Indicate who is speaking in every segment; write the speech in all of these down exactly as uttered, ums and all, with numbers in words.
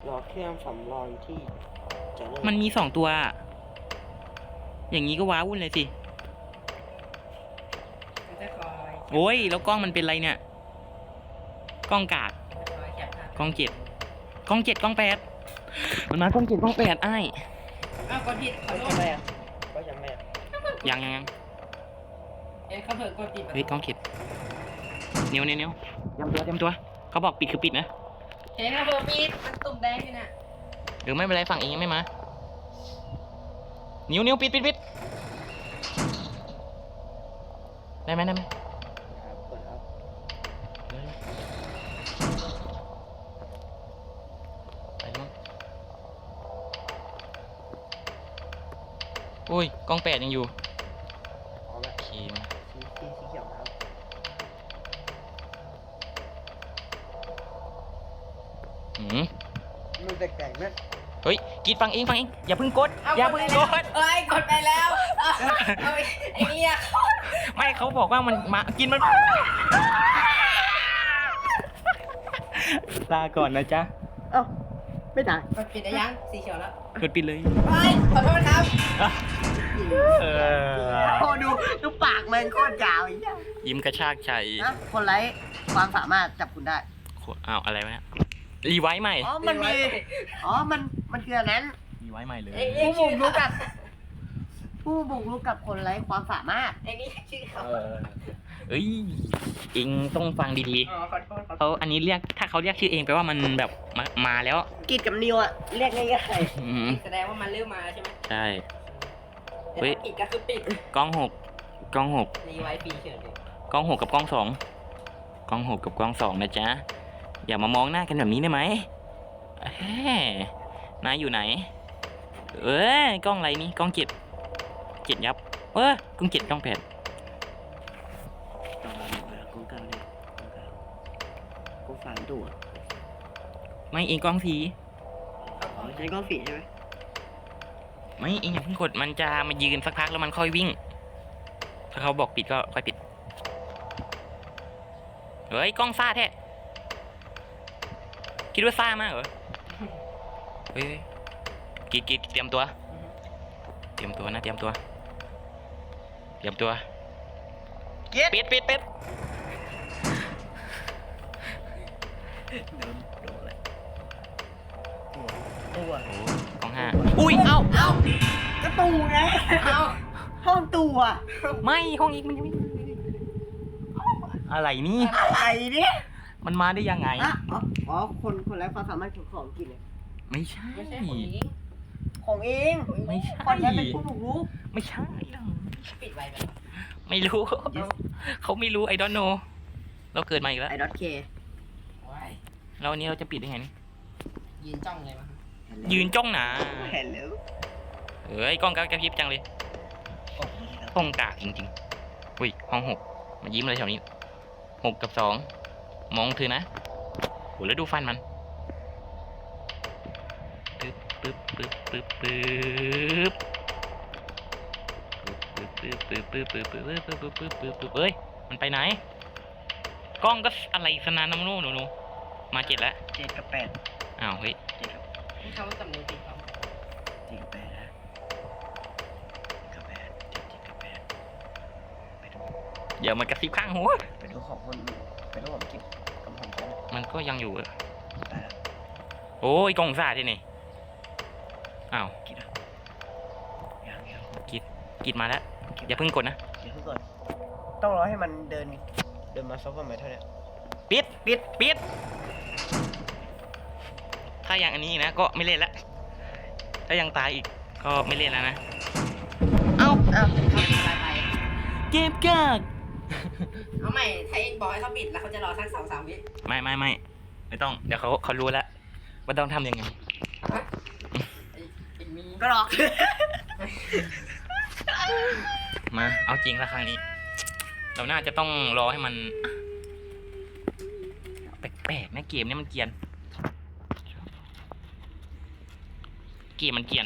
Speaker 1: รอเครื่องสำรองที่จะเริ่ม
Speaker 2: มันมีสองตัว อย่างนี้ก็ว้าวุ่นเลยสิ
Speaker 3: มันจะคอย
Speaker 2: โอ้ยแล้วกล้องมันเป็นไรเนี่ย กล้องกาก
Speaker 3: คอยแคปภาพ
Speaker 2: กล้องเจ็ดกล้องเจ็ดกล้องแปดมันมากล้องเจ็ดกล้องแปดไอ้าย
Speaker 3: อ้าวกดผิดขอ
Speaker 1: ก็
Speaker 3: โท
Speaker 1: จะ
Speaker 3: ษ
Speaker 1: แม่ก็จะแม่
Speaker 2: ยังยังยัง
Speaker 3: เอ้ยเขาเผิ่กดผิด
Speaker 2: เฮ้ยกล้องเจ็ดเนียวเนียวเนียวเตรียมตัวเตรียมตัว เขาบอกปิดคือปิดนะ
Speaker 3: เฮ้ยเขาเผิ่ปิดมันตุ่มแดงอยู่น่ะ
Speaker 2: หรือไม่เป็นไรฝั่งเองยังไม่มา นิ้วนิ้วปิดปิดปิดได้ไหมได้ไหม
Speaker 1: ครับกดครับ
Speaker 2: ไปมั้งอุ้ยกล้องแปดยังอยู่
Speaker 1: เอาละ
Speaker 2: โอเคมา
Speaker 1: สีสีสีเขียวนะครับ
Speaker 2: หืม
Speaker 1: มันแปลกๆนะ
Speaker 2: เฮ้ยกรีดฟังเองฟังเองอย่าเพิ่งกดอย่าเพิ่งกด
Speaker 3: เอ้ยกดไปแล้วเอาเอาไอ้เนี่ย
Speaker 2: ไม่เขาบอกว่ามันมากินมันลาก่อนนะจ๊ะ
Speaker 1: เอ้าไม่ได้
Speaker 3: กดปิดได้ยังสีเขียวแล้ว
Speaker 2: กดปิดเลย
Speaker 3: เฮ้ยขอโทษครับ
Speaker 2: เออ
Speaker 1: โอ้ดูดูปากมันโคตรยาวอย่างเงี้ย
Speaker 2: ยิ้มกระชากใจ
Speaker 1: นะคนไร้ความสามารถจับคุณได้
Speaker 2: อ้าวอะไรวะเนี่ยรีไวท์ใหม่
Speaker 1: อ๋อมันมีอ๋อมันมันคืออันนั้น
Speaker 2: รีไวท์ใหม่เลย
Speaker 3: ไอ้นี่
Speaker 1: ผู้บุ
Speaker 3: ชื่อก
Speaker 1: รุกกับ ผู้บุกรุกกับคนไร้ความสามารถ
Speaker 3: ไอ้นี่ชื่อเขา
Speaker 2: เอ้ยเองต้องฟังดี
Speaker 3: อ๋อขอโทษขอ
Speaker 2: ๆ
Speaker 3: โท
Speaker 2: เขา
Speaker 3: ษ
Speaker 2: อันนี้เรียกถ้าเขาเรียกชื่อเองแปลว่ามันแบบมามาแล้ว
Speaker 1: กิดกับนิวอะเรียกง่าย
Speaker 2: อืม
Speaker 3: แสดงว่ามันเริ่มมาใช่ไหม
Speaker 2: ใช่
Speaker 3: แต่
Speaker 2: เฮ้ย
Speaker 3: ถ้าปิดก็คือปิด
Speaker 2: กล้องหกกล้องหก
Speaker 3: รีไว้ฟรีเฉยเลย
Speaker 2: กล้องหกกับกล้องสองกล้องหกกับกล้องสองนะจ๊ะอย่ามามองหน้ากันแบบนี้ได้ไหมเอ้ยนายอยู่ไหน เอ้ยกล้องอะไรนี่กล้องเจ็ดเจ็ดยับเอ้ยกล้องเจ็ดกล้องแปด
Speaker 1: ๆกงกลางเลยกงสามตัว
Speaker 2: ไม่เองกล้องสี
Speaker 1: อ๋อใช้กล้องฝีใช่ไหม
Speaker 2: ไม่เองอย่าเพิ่งกดมันจะมายืนสักพักแล้วมันค่อยวิ่ง ถ้าเขาบอกปิดก็ค่อยปิดเฮ้ยกล้องซ่าแท้คิดว่าซ่ามากเหรอเฮ้ยกีดกีดเตรียมตัว เตรียมตัวนะเตรียมตัว เตรียมตัวปิดปิดปิด
Speaker 1: ตัว
Speaker 2: โอ้กล้องห้าอุ้ยเอ้า
Speaker 3: เอ้าก
Speaker 1: ระตูไง
Speaker 3: เอ้า
Speaker 1: ห้องตัว
Speaker 2: ไม่ห้องอีกมันยังไม่อะไรนี่
Speaker 1: อะไรเนี่ย
Speaker 2: มันมาได้ยังไง
Speaker 1: อ่ะอ๋ออ๋อคนคนไร้ความสามารถของของกินเลย
Speaker 2: ไม่ใช่
Speaker 3: ไม่ใช่ของนี้
Speaker 1: ของเอง
Speaker 2: ไม่ใช่
Speaker 1: คนนั้นเป็นผู้บุกรุก
Speaker 2: ไม่ใช่
Speaker 3: ปิดไว้ไหม
Speaker 2: ไม่รู้ เขาไม่รู้ไอดอนโนเราเกิดมาอีกแล้ว
Speaker 1: ไอ้ดอทเค
Speaker 3: ว้าย
Speaker 2: แล้ววันนี้เราจะปิดได้ไงนี่
Speaker 3: ยืนจ้องเลยมั้ง
Speaker 2: ยืนจ้องหนา
Speaker 1: เห็นแล้ว
Speaker 2: เอ้ยกล้องกระพริบจังเลยห้องกากจริงๆอุ้ยห้องหกมายิ้มเลยแถวนี้หกกับสองมองเธอนะโหแล้วดูฟันมันปึ๊บปึ๊บปึ๊บปึ๊บปึ๊บปึ๊บปึ๊บปึ๊บปึ๊บปึ๊บปึ๊บปึ๊บปึ๊บปึ๊บปึ๊บปึ๊บเอ้ยมันไปไหนกล้องก็อะไรสนานน้ำนู่นหนูมาเจ็ดแล้ว
Speaker 1: เจ็ดกับแปด
Speaker 2: อ้าวเฮ้ย
Speaker 1: เจ็ดกับ
Speaker 3: ที่เขาจับมือปิดเขา
Speaker 1: เจ็ดกับแปดนะกับแปดเจ็ดเจ็ดกับแปดไปดู
Speaker 2: เดี๋ยวมันกระซิบข้างหัว
Speaker 1: ไปดูของคนไปดูของกินกับของฉัน
Speaker 2: มันก็ยังอยู่อะ
Speaker 1: ได้แล้ว
Speaker 2: โอ้ยกล้องซ่าที่นี่อ้าว
Speaker 1: กินอ่ะยังยัง
Speaker 2: กิดมาแล้วอย่าเพิ่งกดนะ
Speaker 1: เดี๋ยวก่อนต้องรอให้มันเดินเดินมาซับกันไหมเท่านี้
Speaker 2: ปิดปิดปิดถ้าอย่างอันนี้นะก็ไม่เล่นละถ้ายังตายอีกก็ไม่เล่นแล้วนะ
Speaker 1: เอ้าเอ้า
Speaker 3: เขาปิดอะไรไป
Speaker 2: เก็บกาก
Speaker 3: เอาใหม่ถ้าเองบอกให้เขาปิดแล้วเขาจะรอสักสองสามวิ
Speaker 2: ไม่ไม่ไม่ไม่ต้องเดี๋ยวเขาเขารู้แล้วว่าต้องทำยังไง
Speaker 3: ไอ้ไอ้มี
Speaker 1: ก็หรอก
Speaker 2: มาเอาจริงละครั้งนี้ เราน่าจะต้องรอให้มันแปลกๆนะเกมนี้มันเกรียนเกมมันเกรียน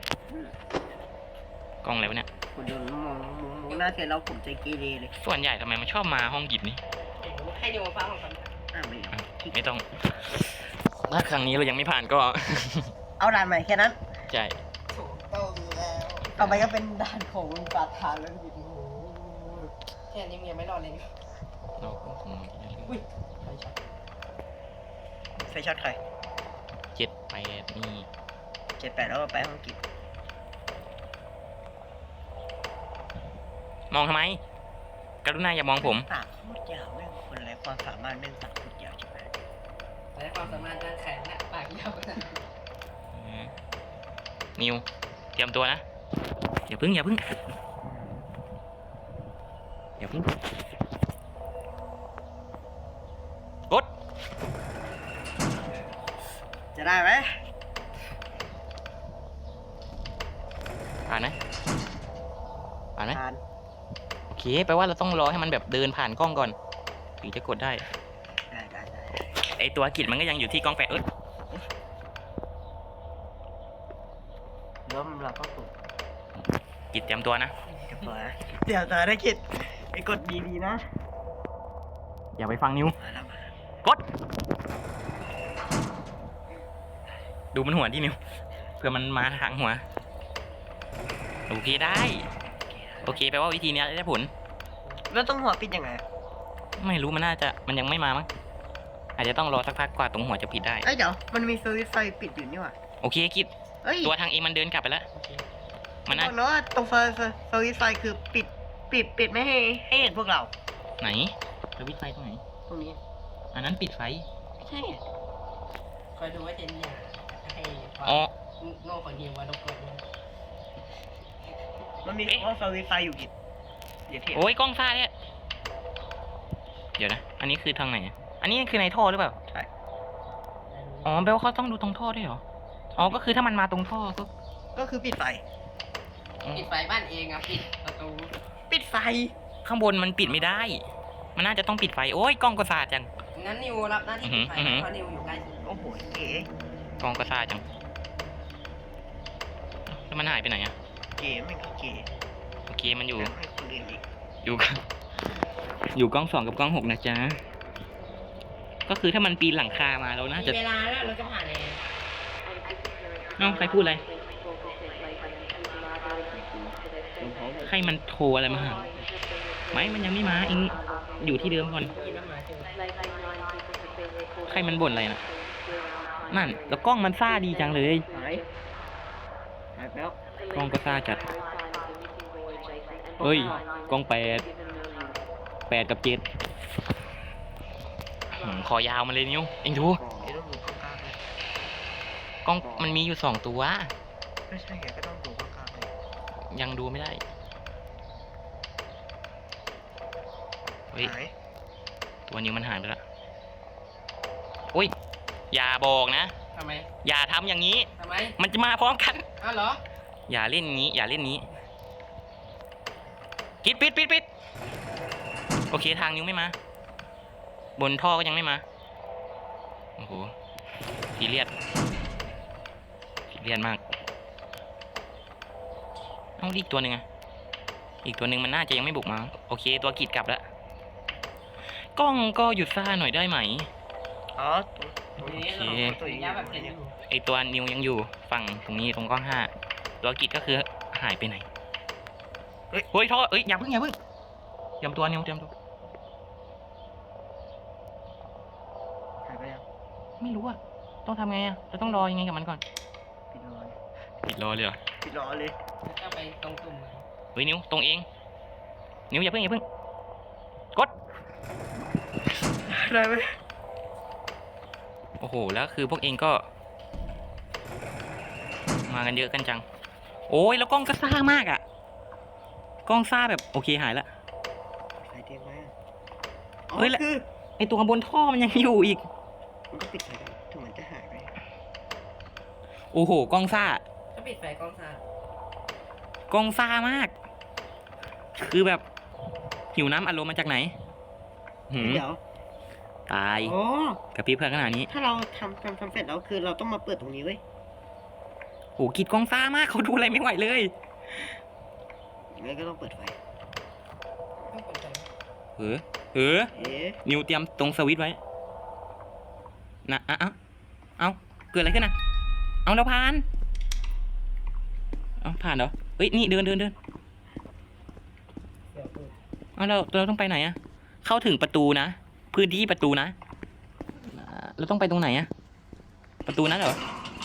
Speaker 2: กล้องอะไรวะเนี่ย
Speaker 1: คุณดูมองมองมองหน้าเสร็จแล้วผมใจเกเรเลย
Speaker 2: ส่วนใหญ่ทำไมมันชอบมาห้องกิจนี่
Speaker 3: ให้ดูมาฟังของเขา
Speaker 1: อ่าไม่เอา
Speaker 2: ไม่ต้องถ้าครั้งนี้เรายังไม่ผ่านก็
Speaker 4: เอาด่านใหม่แค่นั้น
Speaker 2: ใช่
Speaker 3: ถูกต้องแล้ว
Speaker 4: ต่อไปก็เป็นด่านของปราฐานแล้วพี่
Speaker 3: แค่นี้มึงยังไม่รอดเลยนี่
Speaker 2: เราก็คง
Speaker 3: อุ้ย
Speaker 4: ไฟช็อตใคร
Speaker 2: เจ็ดแปดนี่
Speaker 4: เจ็ดแปดแล้วก็ไปห้องกิจ
Speaker 2: มองทำไม กรุณาอย่ามองผม
Speaker 4: ปากโคตรยาวแม่งคนไร้ความสามารถแม่งปากโคตรยาวใช่ไหม
Speaker 3: และความสามารถด้านแขนและปากยาวขนาดนั้น
Speaker 2: นิว เตรียมตัวนะ อย่าพึ่งอย่าพึ่งอย่าพึ่งกด
Speaker 4: จะได้ไหม
Speaker 2: ผ่านไหมผ่านไหม
Speaker 4: ผ่าน
Speaker 2: โอเคแปลว่าเราต้องรอให้มันแบบเดินผ่านกล้องก่อน ถึงจะกดได้
Speaker 4: ได้ได้ได้
Speaker 2: ไอตัวกิจมันก็ยังอยู่ที่กล้องแปะเอ้ย
Speaker 4: ล้มเราก็ปลุก
Speaker 2: กิจเตรียมตัวนะ
Speaker 4: เดี๋ยวก่อนนะเดี๋ยวต่อได้กิจไปกดดีๆนะ
Speaker 2: อย่าไปฟังนิว
Speaker 4: มาแล้วมาก
Speaker 2: ด ดูมันหัวที่นิวเพื่อมันมาทางหัว โอเคได้ โอเคแปลว่าวิธีเนี้ยได้ผล
Speaker 4: แล้วต้องหัวปิดยังไง
Speaker 2: ไม่รู้มันน่าจะมันยังไม่มามั้งอาจจะต้องรอสักพักกว่าตรงหัวจะปิดได้
Speaker 4: เอ้ยเดี๋ยวมันมีสวิตช์ไฟปิดอยู่นี่หว่า
Speaker 2: โอเคกิจ
Speaker 4: เอ้ย
Speaker 2: ตัวทางเองมันเดินกลับไปแล้ว
Speaker 3: โอเค
Speaker 2: มันน่า
Speaker 4: บอกนะว่าตรงไฟสวิตช์ไฟคือปิดปิดปิดไม่ให้ให้เห็นพวกเรา
Speaker 2: ไหนสวิตช์ไฟตรงไหน
Speaker 4: ตรงนี้
Speaker 2: อันนั้นปิดไฟ
Speaker 4: ไม่ใช่อะ
Speaker 3: คอยดูว่าเจนอยากให้ความ
Speaker 2: อ๋อ
Speaker 3: โง่ของนิวว่ารบกวนนะ
Speaker 4: มันมี
Speaker 2: เอ๊ะ
Speaker 4: ว่าสวิตช์ไฟอยู่กิจเดี๋ยวเทียบ
Speaker 2: โอ้ยกล้องซ่าเนี่ยเดี๋ยวนะ อันนี้คือทางไหนอะอันนี้คือในท่อหรือเปล่า
Speaker 4: ใช่
Speaker 2: อ๋อแปลว่าเขาต้องดูตรงท่อด้วยเหรอ อ๋อ ก็คือถ้ามันมาตรงท่อก็
Speaker 4: ก็คือปิดไฟ
Speaker 3: ปิดไฟบ้านเองอ่ะปิดประตู
Speaker 4: ปิดไฟ
Speaker 2: ข้างบนมันปิดไม่ได้ มันน่าจะต้องปิดไฟ โอ้ยกล้องก็ซ่าจัง
Speaker 3: งั้นนิวรับหน้าที่ปิดไฟ
Speaker 2: อือหือ
Speaker 3: เพราะนิวอยู่ใกล้สุด
Speaker 4: โอ้โหเก๋
Speaker 2: กล้องก็ซ่าจัง แล้วมันหายไปไหนอะ
Speaker 4: เก๋ไม่ก็เก๋
Speaker 2: โอเคมันอยู่
Speaker 4: อยากให้คนอื่นอีก
Speaker 2: อยู่กับอยู่กล้องสองกับกล้องหกนะจ๊ะ ก็คือถ้ามันปีนหลังคามาเราน่า
Speaker 3: มี
Speaker 2: จะ
Speaker 3: เวลาแล้วเราจะผ่านเอง
Speaker 2: เอ้าใครพูดอะไร ใครมันโทรอะไรมาหาไม่ มันยังไม่มาเองอยู่ที่เดิมก่อน
Speaker 3: กินแล้วมาเจอ
Speaker 2: ใครมันบ่นอะไรนะนั่น แล้วกล้องมันซ่าดีจังเลย
Speaker 4: หายหายแล้ว
Speaker 2: กล้องก็ซ่าจัด เฮ้ย กล้องแปด แปดกับเจ็ดหืมคอยาวมาเลยนิ้ว เองดู
Speaker 4: เดี๋ยวต้องดูข้างกลางเลย
Speaker 2: กล้องมันมีอยู่สองตัว
Speaker 4: ไม่ใช่แกก็ต้องดูข้างกลางเลย
Speaker 2: ยังดูไม่ได้ เฮ้ย
Speaker 4: หาย
Speaker 2: ตัวนิ้วมันหายไปแล้วอุ้ย อย่าบอกนะ
Speaker 3: ทำไม
Speaker 2: อย่าทำอย่างนี้
Speaker 3: ทำไม
Speaker 2: มันจะมาพร้อมกัน
Speaker 3: อ้าวเหรอ
Speaker 2: อย่าเล่นนี้ อย่าเล่นนี้ปิดปิดปิดปิดโอเคทางนิ้วไม่มา บนท่อก็ยังไม่มา โอ้โหซีเรียสซีเรียสมากเอาอีกตัวหนึ่งอะอีกตัวหนึ่งมันน่าจะยังไม่บุกมา โอเค ตัวกีดกลับแล้ว กล้องก็หยุดซ่าหน่อยได้ไหม
Speaker 4: อ๋อตรง
Speaker 3: ทีนี้
Speaker 2: โอ
Speaker 3: เรา
Speaker 2: เค
Speaker 4: ตัวนี้
Speaker 3: ย้ายแบบเห็นอยู่
Speaker 2: ไอตัวนิวยังอยู่ฝั่งตรงนี้ตรงกล้องห้า ตัวกีดก็คือหายไปไหน เฮ้ยเฮ้ยท่อเอ้ยอย่าเพิ่งอย่าเพิ่งเตรียมตัวนิวเตรียมตัว
Speaker 4: หายไปยัง
Speaker 2: ไม่รู้อะต้องทำไงอะเราต้องรอยังไงกับมันก่อน
Speaker 4: ปิดรอเลย
Speaker 2: ปิดรอเลยเหรอ
Speaker 4: ปิดรอเลย
Speaker 3: แล้วก็ไปตรงตุ่มเลย
Speaker 2: เฮ้ยนิวตรงเอง นิวอย่าเพิ่งอย่าเพิ่ง กด
Speaker 4: ได้ไหม
Speaker 2: โอ้โห แล้วคือพวกเองก็ มากันเยอะกันจัง โอ้ยแล้วกล้องก็ซ่ามากอะกล้องซ่าแบบโอเคหายละ
Speaker 4: ไฟเตียงไหมอะ
Speaker 2: เฮ้ย
Speaker 4: อ๋อ
Speaker 2: แล้ว
Speaker 4: คือ
Speaker 2: ไอตัวบนท่อมันยังอยู่อีก
Speaker 4: มันก็ปิดไฟได้ถึงมันจะหายไป
Speaker 2: โอ้โห กล้องซ่า
Speaker 3: ถ้าปิดไฟกล้องซ่าก
Speaker 2: ล้องซ่ามาก คือแบบหิวน้ำอารมณ์มาจากไหนหืม
Speaker 4: เดี๋ยว
Speaker 2: ตาย
Speaker 4: อ๋อ
Speaker 2: กับพี่เพื่อนขนาดนี้
Speaker 4: ถ้าเราทำทำทำเสร็จแล้วคือเราต้องมาเปิดตรงนี้เว้ย
Speaker 2: โหกิดกล้องซ่ามากเขาดูอะไรไม่ไหวเลย
Speaker 4: งั้นก็ต้องเปิดไฟ
Speaker 3: ไม่เปิดไฟ
Speaker 2: เออเออ
Speaker 4: เอ๊ะ
Speaker 2: นิวเตรียมตรงสวิตช์ไว้ นะอ่ะอ่ะเอาเกิดอะไรขึ้นอ่ะเอาเราผ่านเอาผ่านเหรอเฮ้ยนี่เดินเดินเดิน
Speaker 3: เดี๋ยวกู
Speaker 2: เอาเราเราต้องไปไหนอะเข้าถึงประตูนะพื้นที่ประตูนะอ่าเราต้องไปตรงไหนอะประตูนั้นเหรอ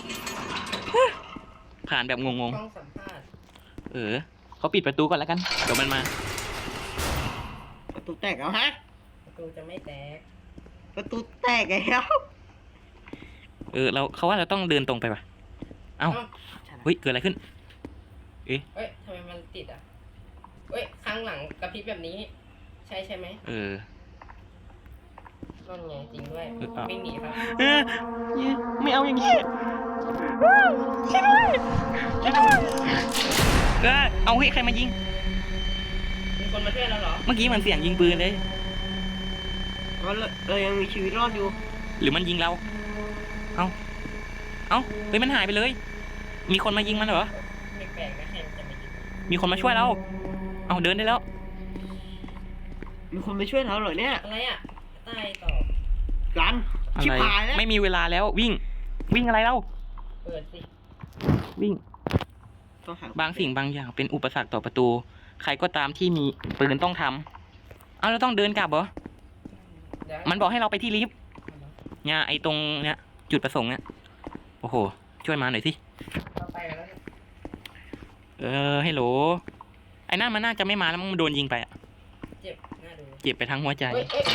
Speaker 2: ผ่านแบบงง
Speaker 3: กล้องสัมภาษณ์
Speaker 2: ๆเออเขาปิดประตูก่อนแล้วกันเดี๋ยวมันมา
Speaker 4: ประตูแตกแล้วฮะ
Speaker 3: ประตูจะไม่แตก
Speaker 4: ประตูแตกแล้ว
Speaker 2: เออเราเขาว่าเราต้องเดินตรงไปป่ะเอ้าเฮ้ยเกิดอะไรขึ้น
Speaker 3: เฮ้ยทำไมมันติดอ่ะเฮ้ยข้างหลังกระพริบแบบนี้ ใช่ใช่ไหม
Speaker 2: เออ
Speaker 3: นั่นไงจริงด้วย
Speaker 2: เออเอา
Speaker 3: วิ่งหนีครับ
Speaker 2: เออไม่เอาอย่างนี้ช่วยด้วยช่วยด้วยเออเอาเฮ้ยใครมายิง
Speaker 3: มีคนมาช่วยเราเหรอ
Speaker 2: เมื่อกี้มันเสียงยิงปืนเลย
Speaker 4: เราเรายังมีชีวิตรอดอยู่
Speaker 2: หรือมันยิงเรา เอาเอาเฮ้ยมันหายไปเลย มีคนมายิงมันเหรอ
Speaker 3: ไม่แปลกนะใครมันจะมายิง
Speaker 2: มีคนมาช่วยเรา เอาเดินได้แล้ว
Speaker 4: มีคนมาช่วยเราเหรอเนี่ย
Speaker 3: อะไรอ่ะใต้ตอบ
Speaker 4: กัน
Speaker 2: อะ
Speaker 4: ชิบ
Speaker 2: ไร
Speaker 4: หายแล้ว
Speaker 2: ไม่มีเวลาแล้ววิ่ง วิ่งอะไรเล่า
Speaker 3: เปิดสิ
Speaker 2: วิ่ง
Speaker 4: ต้องหา
Speaker 2: บางสิ่งบางอย่างเป็นอุปสรรคต่อประตู ใครก็ตามที่มีปืนต้องทำเอาเราต้องเดินกลับเหรอ
Speaker 3: เดี๋ยว
Speaker 2: มันบอกให้เราไปที่ลิฟต์เนี่ยไอ้ตรงเนี่ยจุดประสงค์เนี่ยโอ้โห ช่วยมาหน่อยสิ
Speaker 3: เราไปแล้วเนี่ย
Speaker 2: เออให้โหลไอ้นั่นมันน่าจะไม่มาแล้วมันโดนยิงไปอะ
Speaker 3: เจ็บน่าดู
Speaker 2: เจ็บไปทั้งหัวใจ
Speaker 3: เฮ้ยเอ้ย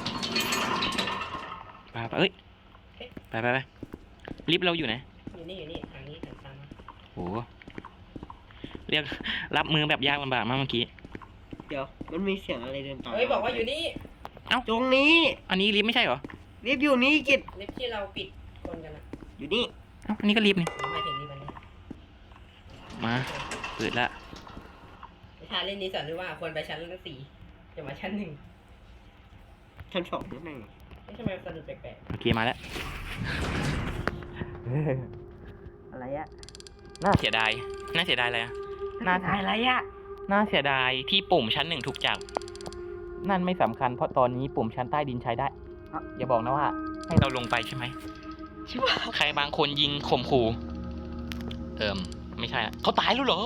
Speaker 2: ไปไปเอ้ยไปไปไปลิฟต์เราอยู่ไหน
Speaker 3: อยู่นี่อยู่นี่ทางนี้ทางซ้าย
Speaker 2: โอ้โหเรียกรับมือแบบยากลำบากมากเมื่อกี้
Speaker 4: เดี๋ยวมันมีเสียงอะไรเดินตาม
Speaker 3: เฮ้ยบอกว่าอยู่นี่
Speaker 4: ตรงนี้
Speaker 2: อันนี้ลิฟต์ไม่ใช่เหรอ
Speaker 4: รีบอยู่นี่กิจ
Speaker 3: ลิฟต์ที่เราปิดคนกันนะ
Speaker 4: อยู่นี่
Speaker 2: เอ้าอันนี้ก็ลิฟต์นี่
Speaker 3: หรือหมายถึงลิฟต์อันนี้
Speaker 2: มาเปิดละ
Speaker 3: ทาเล่นนี้สอนด้วยว่าควรไปชั้นสี่จะมาชั้นหนึ่ง
Speaker 4: ชั้นสองนั่นเอง
Speaker 3: ไม่ใช่ไหมสะดุดแปลก
Speaker 2: โอเคมาแล้ว
Speaker 4: อะไรอะ
Speaker 2: น่าเสียดายน่าเสียดายอะไรอะน่า
Speaker 4: อะไรอะ
Speaker 2: น่าเสียดายที่ปุ่มชั้นหนึ่งถูกจับนั่นไม่สำคัญเพราะตอนนี้ปุ่มชั้นใต้ดินใช้ได้อย่าบอกนะว่า ให้เราลงไปใช่ไหม
Speaker 4: ชิบหาย
Speaker 2: ใครบางคนยิงข่มขู่เอิมไม่ใช่อะเขาตายแล้วเหรอ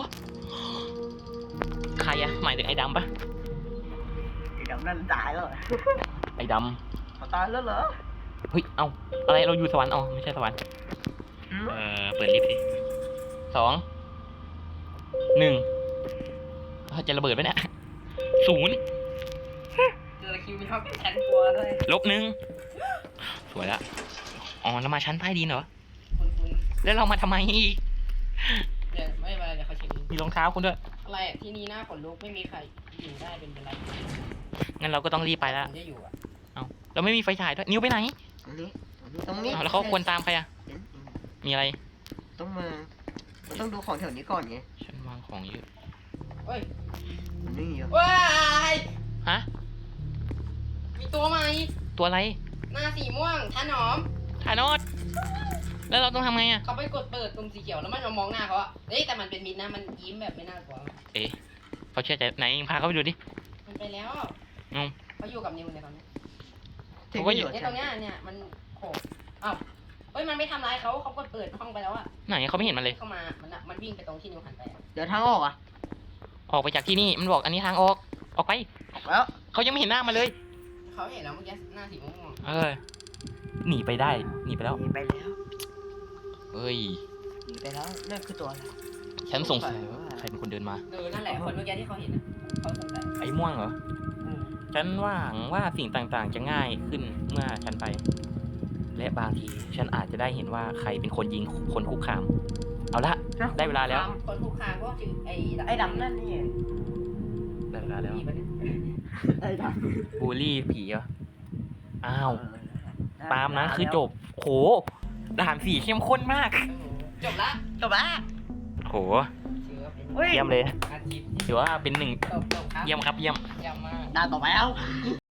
Speaker 2: ใครอะหมายถึงไอ้ดำปะ
Speaker 4: ไอ้ดำนั่นตายแล้วเหรอ
Speaker 2: ไอ้ด
Speaker 4: เขาตายแล้วเหรอ
Speaker 2: ำเฮ้ยเอาอะไรเราอยู่สวรรค์อ๋อไม่ใช่สวรรค์
Speaker 4: อืม
Speaker 2: เออเปิดลิฟต์สิสองหนึ่งเอ้าจะระเบิดไหมเนี่ยศูนย์
Speaker 3: ๆเจอคิวมีชอบชั้นกลัวด้วย
Speaker 2: ลบหนึ่งสวยละอ๋อแล้วมาชั้นใต้ดินเหรอ
Speaker 3: คุณคุณ
Speaker 2: แล้วเรามาทำไมอีก
Speaker 3: เดี๋ยวไม่เป็นไรเดี๋ยวเขาเช็ค
Speaker 2: มีรองเท้าคุณด้วย
Speaker 3: อะไรอะที่นี่หน้าขนลุกไม่มีใครอยู่ได้เป็นเป็นไร
Speaker 2: งั้นเราก็ต้องรีบไปแล้ว
Speaker 3: ผมจะอยู่อ่ะ
Speaker 2: เราไม่มีไฟฉายด้วยนิ้วไปไหน
Speaker 4: ตรงนี้ตรงนี้
Speaker 2: อ้าวแล้วเขาควรตามใครอะ
Speaker 4: เห็น
Speaker 2: มีอะไร
Speaker 4: ต้องมาต้องดูของแถวนี้ก่อนไง
Speaker 2: ฉันวางของเยอะ
Speaker 3: เฮ้ย
Speaker 4: มันไม่มีอยู่
Speaker 3: ว้าย
Speaker 2: ฮะ
Speaker 3: มีตัวใหม่
Speaker 2: ตัวอะไร
Speaker 3: หน้าสีม่วงท่าหนอม
Speaker 2: ถ่ายโนดแล้วเราต้องทำไงอะ
Speaker 3: เขาไปกดเปิดตรงสีเขียวแล้วมันมามองหน้าเขาอะเฮ้ยแต่มันเป็นมิดนะมันยิ้มแบบไม่น่ากลัว
Speaker 2: เอ๊ะเขาเชื่อใจไหนพาเขาไปดูดิ
Speaker 3: มันไปแล้ว
Speaker 2: อืม
Speaker 3: เขาอยู่กับนิวในตอนนี้
Speaker 2: เขาก็อยู่
Speaker 3: เนี่ยตรงเนี้ยเนี่ยมันโผล่อ้าวเฮ้ยมันไม่ทำร้ายเขาเขากดเปิดห้องไปแล้วอะ
Speaker 2: ไหนเขาไม่เห็นมันเลย
Speaker 3: เข้ามามันอะมันวิ่งไปตรงที่นิวหันไปอะ
Speaker 4: เดี๋ยวทางออกอ่ะ
Speaker 2: ออกไปจากที่นี่มันบอกอันนี้ทางออก ออกไป
Speaker 4: ออกแล้ว
Speaker 2: เขายังไม่เห็นหน้ามาเลย
Speaker 3: เขาเห็นแล้วเมื่อกี้หน้าสีม่วง
Speaker 2: เออ หนีไปได้ หนีไปแล้ว
Speaker 4: หนีไปแล้ว
Speaker 2: เฮ้ย
Speaker 4: หนีไปแล้วนั่นคือตัวอะไร
Speaker 2: ฉันสงสัยว่าใครเป็นคนเดินมา
Speaker 3: เออนั่นแหละคนเมื่อกี้ที่เขาเห็นอะเขาสงสัย
Speaker 2: ไอ้ม่วงเหรอ
Speaker 3: อืม
Speaker 2: ฉันหวังว่าสิ่งต่างๆ จะง่ายขึ้นเมื่อฉันไป และบางทีฉันอาจจะได้เห็นว่าใครเป็นคนยิงคนคุกคาม เอาละ ได้เวลาแล้ว
Speaker 3: คนผู้ค้าก็คือไอ้
Speaker 4: ไอ้ดำนั่นนี่
Speaker 2: ได้เวลาแล้ว
Speaker 3: ผีปะเนี่ย
Speaker 4: ไอ้ดำ
Speaker 2: บูลลี่ผีเหรอ อ้าว ตามนั้นคือจบ โห ด่านสี่เข้มข้นมาก
Speaker 3: เออจบละ
Speaker 4: จบละ
Speaker 2: โห
Speaker 3: ถือว่าเป็น
Speaker 4: เฮ้ย
Speaker 2: เยี่ยมเลย
Speaker 3: อาทิตย์
Speaker 2: ถือว่าเป็นหนึ่ง
Speaker 3: จบจบครับ
Speaker 2: เยี่ยมครับ เยี่ยม
Speaker 3: เยี่ยมมาก
Speaker 4: ด่านต่อไปแล้ว